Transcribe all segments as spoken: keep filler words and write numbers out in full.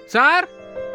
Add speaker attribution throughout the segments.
Speaker 1: Sir.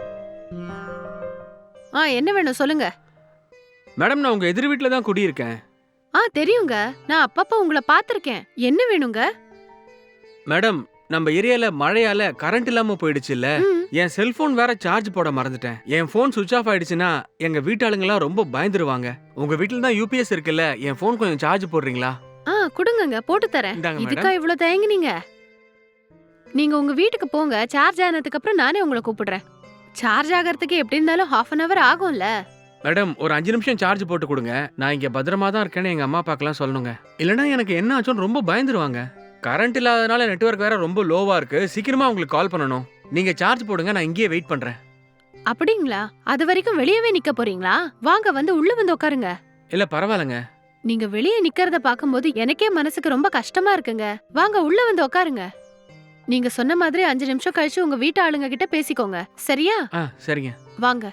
Speaker 2: ஆ என்ன வேணும் சொல்லுங்க.
Speaker 1: மேடம் நான் உங்க எதிர் வீட்ல தான் குடியிருக்கேன்.
Speaker 2: ஆ தெரியுங்க, நான் அப்பப்ப உங்களை பார்த்திருக்கேன். என்ன வேணுங்க?
Speaker 1: மேடம் நம்ம ஏரியால மழையால கரண்ட் இல்லாம போயிடுச்சுல்ல.
Speaker 2: ம்.
Speaker 1: என் செல்போன் வேற சார்ஜ் போட மறந்துட்டேன். என் போன் சுவிட்ச் ஆஃப் ஆயிடுச்சுன்னா எங்க வீட்டாளுங்கலாம் ரொம்ப பயந்துருவாங்க. உங்க வீட்ல தான் யூபிஎஸ் இருக்குல்ல, என் போன் கொஞ்சம் சார்ஜ் போடுறீங்களா?
Speaker 2: ஆ குடுங்கங்க, போட்டு தரேன்.
Speaker 1: இந்தாங்க மேடம்.
Speaker 2: இதுக்கா இவ்ளோ தயங்குனீங்க? நீங்க உங்க வீட்டுக்கு போங்க, சார்ஜ் ஆனதுக்கு அப்புறம் நானே உங்களை கூப்பிடுறேன். சார்ஜ் ஆகிறதுக்கு எப்படி இருந்தாலும் ஹாஃப் அன் அவர் ஆகும்ல.
Speaker 1: மேடம் ஒரு அஞ்சு நிமிஷம் சார்ஜ் போட்டு கொடுங்க. நான் இங்க பத்திரமா தான் இருக்கேன்னு எங்க அம்மா அப்பாக்கெல்லாம் சொல்லணுங்க. இல்லனா எனக்கு என்ன ஆச்சுன்னு ரொம்ப பயந்துருவாங்க. கரண்ட் இல்லாதனால நெட்வொர்க் வேற ரொம்ப லோவா இருக்கு. சீக்கிரமா உங்களுக்கு கால் பண்ணணும். நீங்க சார்ஜ் போடுங்க, நான் இங்கேயே வெயிட் பண்றேன்.
Speaker 2: அப்படிங்களா? அது வரைக்கும் வெளியவே நிக்க போறீங்களா? வாங்க, வந்து உள்ள வந்து உட்காருங்க.
Speaker 1: இல்ல பரவாயில்லைங்க.
Speaker 2: நீங்க வெளியே நிக்கிறத பாக்கும்போது எனக்கே மனசுக்கு ரொம்ப கஷ்டமா இருக்குங்க. வாங்க உள்ள வந்து உட்காருங்க. நீங்க சொன்ன மாதிரி அஞ்சு நிமிஷம் கழிச்சு உங்க வீட்டு ஆளுங்க கிட்ட பேசிக்கோங்க, சரியா?
Speaker 1: ஆ சரிங்க.
Speaker 2: வாங்க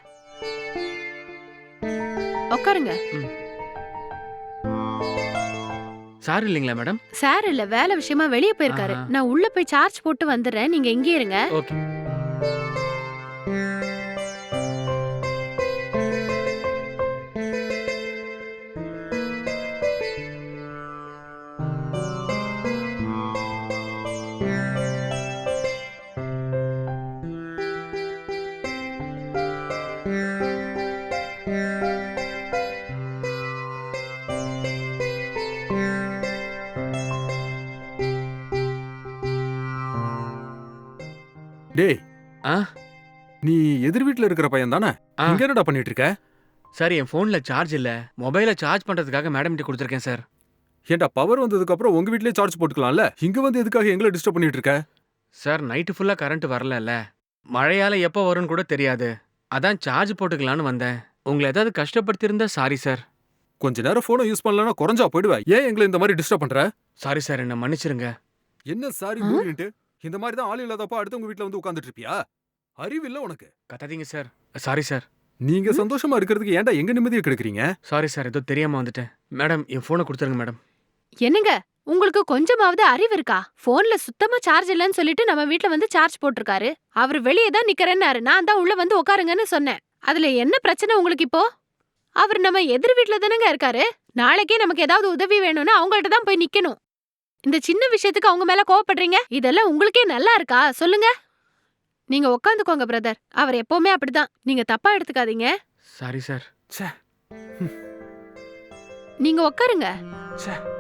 Speaker 2: உட்காருங்க.
Speaker 1: சார் இல்லைங்களா மேடம்?
Speaker 2: சார் இல்ல, வேலை விஷயமா வெளியே போயிருக்காரு.
Speaker 1: ஆஹா.
Speaker 2: நான் உள்ள போய் சார்ஜ் போட்டு வந்துடுறேன், நீங்க இங்கே இருங்க.
Speaker 1: ஓகே.
Speaker 3: டேய்,
Speaker 1: ஆ
Speaker 3: நீ எதிர் வீட்ல இருக்கிற பையன் தானே?
Speaker 1: ஆ.
Speaker 3: இங்க என்னடா பண்ணிட்டு இருக்க?
Speaker 1: சார் என் போன்ல சார்ஜ் இல்ல. மொபைல சார்ஜ் பண்றதுக்காக மேடம் கிட்ட கொடுத்துருக்கேன் சார்.
Speaker 3: ஏன்டா பவர் வந்ததுக்கு அப்புறம் உங்க வீட்லயே சார்ஜ் போட்டுக்கலாம்ல? இங்க வந்து எதுக்காக எங்களை டிஸ்டர்ப் பண்ணிட்டு இருக்க?
Speaker 1: சார் நைட்டு ஃபுல்லா கரண்ட் வரலல்ல. மழையால எப்போ வரும்னு கூட தெரியாது. அதான் சார்ஜ் போட்டுக்கலான்னு வந்தேன். உங்களை ஏதாவது கஷ்டப்படுத்தியிருந்தா சாரி சார்.
Speaker 3: கொஞ்ச நேரம் போனை யூஸ் பண்ணலனா குறைஞ்சா போயிடுவ. ஏன் எங்களை இந்த மாதிரி டிஸ்டர்ப் பண்ற?
Speaker 1: சாரி சார், என்ன மன்னிச்சிருங்க.
Speaker 3: என்ன சாரி
Speaker 2: ஆ?
Speaker 3: மூடிட்டு இந்த மாதிரி தான் ஆள் இல்லாதப்ப அடுத்தவங்க வீட்ல வந்து உட்கார்ந்துட்டு இருப்பியா? அறிவில்ல உனக்கு?
Speaker 1: கத்தாதீங்க சார். Sorry sir.
Speaker 3: நீங்க
Speaker 2: ம்?
Speaker 3: சந்தோஷமா இருக்கிறதுக்கு ஏன்டா எங்க நிம்மதியை கெடுக்குறீங்க?
Speaker 1: சாரி சார், ஏதோ தெரியாம வந்துட்டேன். மேடம் என் போனை கொடுத்துருங்க மேடம்.
Speaker 2: என்னங்க, உங்களுக்கு கொஞ்சமாவது அறிவு இருக்கா? போன்ல சுத்தமா சார்ஜ் இல்லன்னு சொல்லிட்டு நம்ம வீட்ல வந்து சார்ஜ் போட்டிருக்காரு. அவர் வெளியே தான் நிக்கிறேன்னாரு, நான் தான் உள்ள வந்து உட்காருங்கன்னு சொன்னேன். அதுல என்ன பிரச்சனை உங்களுக்கு இப்போ? அவர் நம்ம எதிர் வீட்ல தானங்க இருக்காரு. நாளைக்கே நமக்கு ஏதாவது உதவி வேணும்னா அவங்கள்ட்ட தான் போய் நிக்கணும். இந்த சின்ன விஷயத்துக்கு அவங்க மேல கோவப்படுறீங்க. இதெல்லாம் உங்களுக்கே நல்லா இருக்கா சொல்லுங்க? நீங்க உட்காந்துக்கோங்க பிரதர். அவர் எப்பவுமே அப்படிதான், நீங்க தப்பா எடுத்துக்காதீங்க.
Speaker 1: Sorry sir.
Speaker 3: ச்சே.
Speaker 2: நீங்க உட்காருங்க.
Speaker 3: ச்சே.